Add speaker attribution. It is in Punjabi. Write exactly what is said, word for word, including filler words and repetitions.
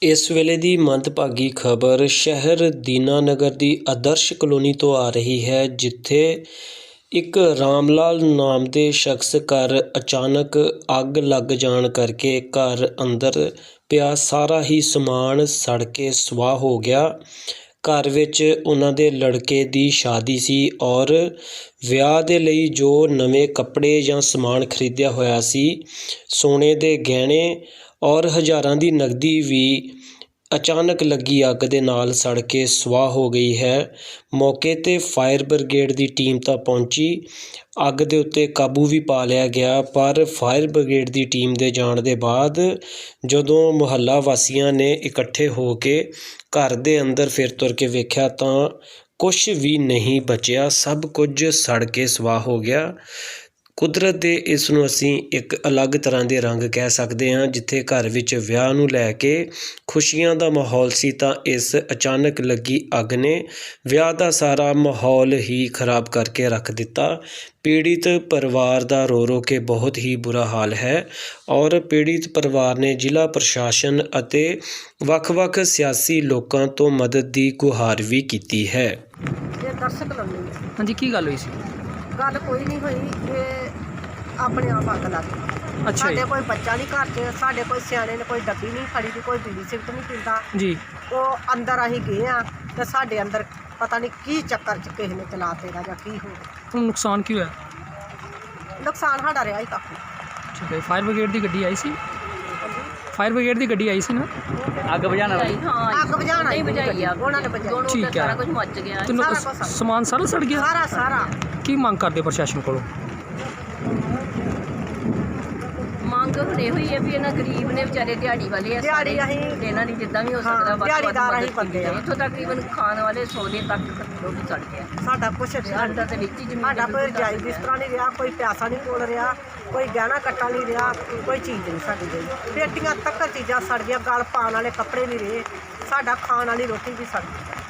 Speaker 1: ਇਸ ਵੇਲੇ ਦੀ ਮੰਦਭਾਗੀ ਖਬਰ ਸ਼ਹਿਰ ਦੀਨਾਨਗਰ ਦੀ ਆਦਰਸ਼ ਕਲੋਨੀ ਤੋਂ ਆ ਰਹੀ ਹੈ, ਜਿੱਥੇ ਇੱਕ ਰਾਮ ਲਾਲ ਨਾਮ ਦੇ ਸ਼ਖਸ ਘਰ ਅਚਾਨਕ ਅੱਗ ਲੱਗ ਜਾਣ ਕਰਕੇ ਘਰ ਅੰਦਰ ਪਿਆ ਸਾਰਾ ਹੀ ਸਮਾਨ ਸੜ ਕੇ ਸੁਆਹ ਹੋ ਗਿਆ। ਘਰ ਵਿੱਚ ਉਹਨਾਂ ਦੇ ਲੜਕੇ ਦੀ ਸ਼ਾਦੀ ਸੀ ਔਰ ਵਿਆਹ ਦੇ ਲਈ ਜੋ ਨਵੇਂ ਕੱਪੜੇ ਜਾਂ ਸਮਾਨ ਖਰੀਦਿਆ ਹੋਇਆ ਸੀ, ਸੋਨੇ ਦੇ ਗਹਿਣੇ ਔਰ ਹਜ਼ਾਰਾਂ ਦੀ ਨਕਦੀ ਵੀ ਅਚਾਨਕ ਲੱਗੀ ਅੱਗ ਦੇ ਨਾਲ ਸੜ ਕੇ ਸੁਆਹ ਹੋ ਗਈ ਹੈ। ਮੌਕੇ 'ਤੇ ਫਾਇਰ ਬ੍ਰਿਗੇਡ ਦੀ ਟੀਮ ਤਾਂ ਪਹੁੰਚੀ, ਅੱਗ ਦੇ ਉੱਤੇ ਕਾਬੂ ਵੀ ਪਾ ਲਿਆ ਗਿਆ, ਪਰ ਫਾਇਰ ਬ੍ਰਿਗੇਡ ਦੀ ਟੀਮ ਦੇ ਜਾਣ ਦੇ ਬਾਅਦ ਜਦੋਂ ਮੁਹੱਲਾ ਵਾਸੀਆਂ ਨੇ ਇਕੱਠੇ ਹੋ ਕੇ ਘਰ ਦੇ ਅੰਦਰ ਫਿਰ ਤੁਰ ਕੇ ਵੇਖਿਆ ਤਾਂ ਕੁਛ ਵੀ ਨਹੀਂ ਬਚਿਆ, ਸਭ ਕੁਝ ਸੜ ਕੇ ਸੁਆਹ ਹੋ ਗਿਆ। ਕੁਦਰਤ ਦੇ ਇਸ ਨੂੰ ਅਸੀਂ ਇੱਕ ਅਲੱਗ ਤਰ੍ਹਾਂ ਦੇ ਰੰਗ ਕਹਿ ਸਕਦੇ ਹਾਂ। ਜਿੱਥੇ ਘਰ ਵਿੱਚ ਵਿਆਹ ਨੂੰ ਲੈ ਕੇ ਖੁਸ਼ੀਆਂ ਦਾ ਮਾਹੌਲ ਸੀ, ਤਾਂ ਇਸ ਅਚਾਨਕ ਲੱਗੀ ਅੱਗ ਨੇ ਵਿਆਹ ਦਾ ਸਾਰਾ ਮਾਹੌਲ ਹੀ ਖਰਾਬ ਕਰਕੇ ਰੱਖ ਦਿੱਤਾ। ਪੀੜਿਤ ਪਰਿਵਾਰ ਦਾ ਰੋ ਰੋ ਕੇ ਬਹੁਤ ਹੀ ਬੁਰਾ ਹਾਲ ਹੈ ਔਰ ਪੀੜਿਤ ਪਰਿਵਾਰ ਨੇ ਜ਼ਿਲ੍ਹਾ ਪ੍ਰਸ਼ਾਸਨ ਅਤੇ ਵੱਖ-ਵੱਖ ਸਿਆਸੀ ਲੋਕਾਂ ਤੋਂ ਮਦਦ ਦੀ ਗੁਹਾਰ ਵੀ ਕੀਤੀ ਹੈ।
Speaker 2: ਇਹ ਦਰਸ਼ਕ ਲਾਉਣੀ ਹੈ।
Speaker 3: ਹਾਂਜੀ, ਕੀ ਗੱਲ ਹੋਈ ਸੀ?
Speaker 2: ਗੱਲ ਕੋਈ ਨਹੀਂ ਹੋਈ, ਇਹ ਆਪਣੇ ਆਪ ਅੱਗ ਲੱਗ ਗਈ।
Speaker 3: ਅੱਛਾ
Speaker 2: ਸਾਡੇ
Speaker 3: ਜੀ।
Speaker 2: ਕੋਈ ਬੱਚਾ ਨਹੀਂ ਘਰ 'ਚ, ਸਾਡੇ ਕੋਈ ਸਿਆਣੇ ਨੇ ਕੋਈ ਡੱਬੀ ਨਹੀਂ ਫੜੀ ਦੀ, ਕੋਈ ਬੀੜੀ ਸਿਗਰਟ ਨਹੀਂ ਪੀਂਦਾ
Speaker 3: ਜੀ।
Speaker 2: ਉਹ ਅੰਦਰ ਅਸੀਂ ਗਏ ਆ ਤੇ ਸਾਡੇ ਅੰਦਰ ਪਤਾ ਨਹੀਂ ਕੀ ਚੱਕਰ 'ਚ ਕਿਸੇ ਨੇ ਚਲਾ ਤੇਗਾ ਜਾਂ ਕੀ ਹੋ ਗਿਆ।
Speaker 3: ਤੁਹਾਨੂੰ ਨੁਕਸਾਨ ਕੀ ਹੋਇਆ?
Speaker 2: ਨੁਕਸਾਨ ਸਾਡਾ ਰਿਹਾ ਹੀ ਕਾਫੀ।
Speaker 3: ਠੀਕ ਹੈ। ਫਾਇਰ ਬ੍ਰਿਗੇਡ ਦੀ ਗੱਡੀ ਆਈ ਸੀ? ਫਾਇਰ ਬ੍ਰਿਗੇਡ ਦੀ ਗੱਡੀ ਆਈ ਸੀ ਨਾ? ਅੱਗ ਬੁਝਾਉਣ ਵਾਲੀ?
Speaker 2: ਅੱਗ ਬੁਝਾਉਣ ਆਈ ਬੁਝਾਈ ਆ ਉਹਨਾਂ ਨੇ ਬੁਝਾਈ।
Speaker 3: ਠੀਕ ਹੈ।
Speaker 2: ਸਾਰਾ ਕੁਝ ਮੱਚ ਗਿਆ,
Speaker 3: ਤੇ
Speaker 2: ਸਾਰਾ ਕੁਝ
Speaker 3: ਸਮਾਨ ਸਾਰਾ ਸੜ ਗਿਆ?
Speaker 2: ਸਾਰਾ ਸਾਰਾ।
Speaker 3: ਕੀ ਮੰਗ ਕਰਦੇ ਪ੍ਰਸ਼ਾਸਨ ਕੋਲੋਂ?
Speaker 4: ਮੰਗ ਹੁਣ ਇਹੋ ਹੀ ਹੈ ਵੀ ਇਹਨਾਂ ਗਰੀਬ ਨੇ ਵਿਚਾਰੇ ਦਿਹਾੜੀ ਵਾਲੇ ਆ,
Speaker 2: ਦਿਹਾੜੀ ਅਸੀਂ
Speaker 4: ਤੇ ਇਹਨਾਂ ਦੀ ਜਿੱਦਾਂ ਵੀ ਹੋ
Speaker 2: ਹਾਂ,
Speaker 4: ਸਕਦਾ ਵੱਧ ਤੋਂ ਵੱਧ
Speaker 2: ਦਿਹਾੜੀਦਾਰ ਅਸੀਂ
Speaker 4: ਮਦਦ
Speaker 2: ਬੰਦੇ ਆ।
Speaker 4: ਕੀਤੀ। ਇੱਥੋਂ ਤਕਰੀਬਨ ਖਾਣ ਵਾਲੇ ਸੌਦੇ ਤੱਕ ਲੋਕ ਸੜ ਗਿਆ।
Speaker 2: ਸਾਡਾ ਕੁਛ
Speaker 4: ਸਾਡਾ ਤੇ ਵਿੱਚ ਹੀ ਜ਼ਮੀਨ
Speaker 2: ਸਾਡਾ ਕੋਈ ਜਾਇਜ਼ ਬਿਸਤਰਾ ਨਹੀਂ ਰਿਹਾ, ਕੋਈ ਪਿਆਸਾ ਨਹੀਂ ਕੋਲ ਰਿਹਾ, ਕੋਈ ਗਹਿਣਾ ਕੱਟਾ ਨਹੀਂ ਰਿਹਾ, ਕੋਈ ਚੀਜ਼ ਨਹੀਂ ਸਾਡੀ ਗਈ। ਪੇਟੀਆਂ ਤੱਕ ਚੀਜ਼ਾਂ ਸੜ ਗਈਆਂ, ਗਲ ਪਾਉਣ ਵਾਲੇ ਕੱਪੜੇ ਨਹੀਂ ਰਹੇ, ਸਾਡਾ ਖਾਣ ਵਾਲੀ ਰੋਟੀ ਵੀ ਸੜ ਗਈ।